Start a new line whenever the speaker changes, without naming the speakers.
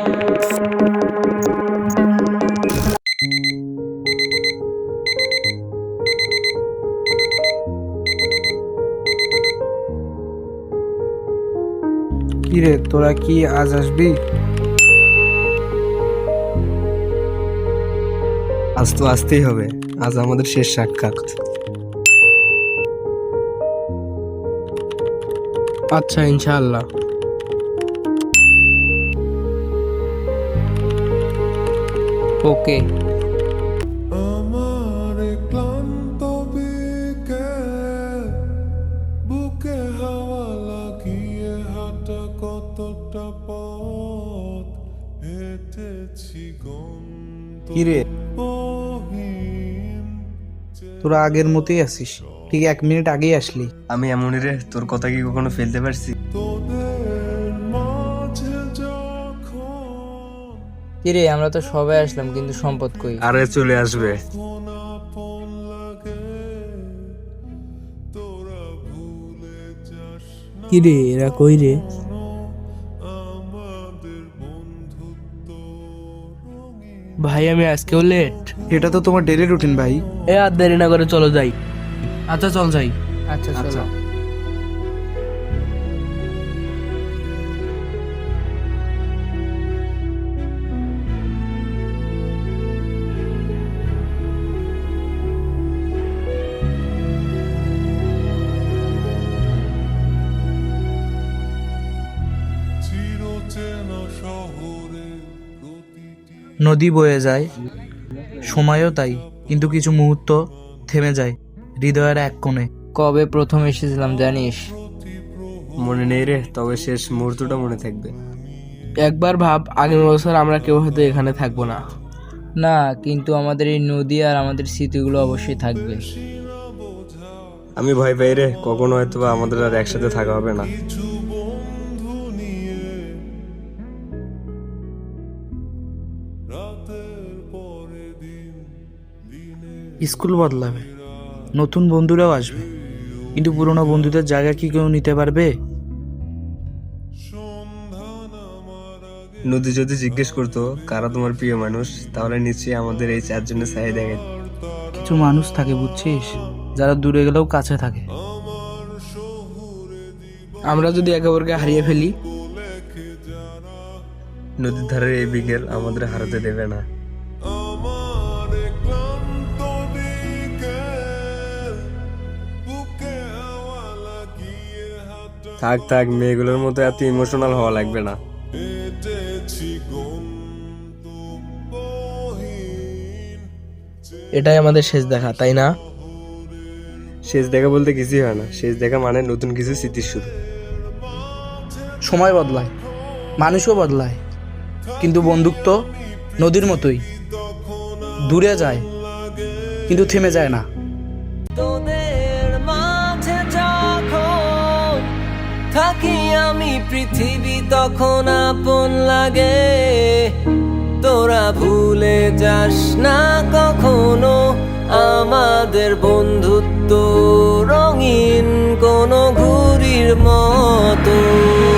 কিরে, তোরা কি আজ আসবি?
আজ তো আসতেই হবে, আজ আমাদের শেষ সাক্ষাৎ।
আচ্ছা, ইনশাআল্লাহ। ওকে।
আমার ক্লান্ত বিকেল, বুকে হাওয়া লাগিয়ে হাঁটা কতটা পথ হেঁটেছি
কিরে,
গন্তব্যহীন।
তোরা আগের মতোই আছিস, ঠিক 1 মিনিট আগেই আসলি।
আমি এমনই রে, তোর কথা কি কখনো ফেলতে পারছি?
তোদের মাঝে যখন
কিরে, আমরা তো সবাই আসলাম, কিন্তু সম্পদ কই?
আরে চলে আসবে।
আপন লাগে, তোরা ভুলে যাস না
কিরে, এরা কই রে?
আমাদের বন্ধুত্ব রঙিন।
ভাই, আমি আজকেও লেট।
এটা তো তোমার ডেইলি রুটিন ভাই।
আর দেরি না করে চলো যাই। আচ্ছা, চল যাই। আচ্ছা
আচ্ছা।
চিরচেনা শহরে প্রতিটি
নদী বয়ে যায়, সময়ও তাই, কিন্তু কিছু মুহূর্ত থেমে যায় হৃদয়ের এক কোণে।
কবে প্রথম এসেছিলাম জানিস?
মনে নেই রে, তবে শেষ মুহূর্তটা মনে থাকবে।
একবার ভাব, আগের বছর আমরা কেউ হয়তো এখানে থাকবো না। না, কিন্তু আমাদের এই নদী আর আমাদের স্মৃতিগুলো অবশ্যই থাকবে।
আমি ভয় পাই রে, কখনো হয়তো বা আমাদের আর একসাথে থাকা হবে না।
কিছু বন্ধু নিয়ে রাতের পরে দিন, দিনে
স্কুল বদলাবে, নতুন বন্ধুরাও আসবে, কিন্তু পুরনো বন্ধুদের জায়গা কি কেউ নিতে পারবে?
সন্ধান আমার আগে
নদী যদি জিজ্ঞেস করতো কারা তোমার প্রিয় মানুষ, তাহলে নিশ্চয়ই আমাদের এই 4 জনের চাহিদা।
কিছু মানুষ থাকে বুঝছিস, যারা দূরে গেলেও কাছে থাকে।
আমার শহুরে
আমরা যদি একে অপরকে হারিয়ে ফেলি,
লেখে যারা
নদীর ধারের এই বিকেল আমাদের হারাতে দেবে না।
আমার ক্লান্ত বিকেল, বুকে হাওয়া লাগিয়ে হাঁটা
থাক থাক, মেয়েগুলোর মতো এত ইমোশনাল হওয়া লাগবে না।
হেঁটেছি গন্তব্যহীন।
এটাই আমাদের শেষ দেখা, তাই না?
শেষ দেখা বলতে কিছুই হয় না, শেষ দেখা মানে নতুন কিছু স্মৃতির শুরু।
সময় বদলায়, মানুষও বদলায়, কিন্তু বন্ধুত্ব নদীর মতোই, দূরে যায় কিন্তু থেমে যায় না।
তোদের মাঝে যখন থাকি আমি, পৃথিবী তখন আপন লাগে। তোরা ভুলে যাস না কখনো আমাদের বন্ধুত্ব রঙিন কোনো ঘুড়ির মতো।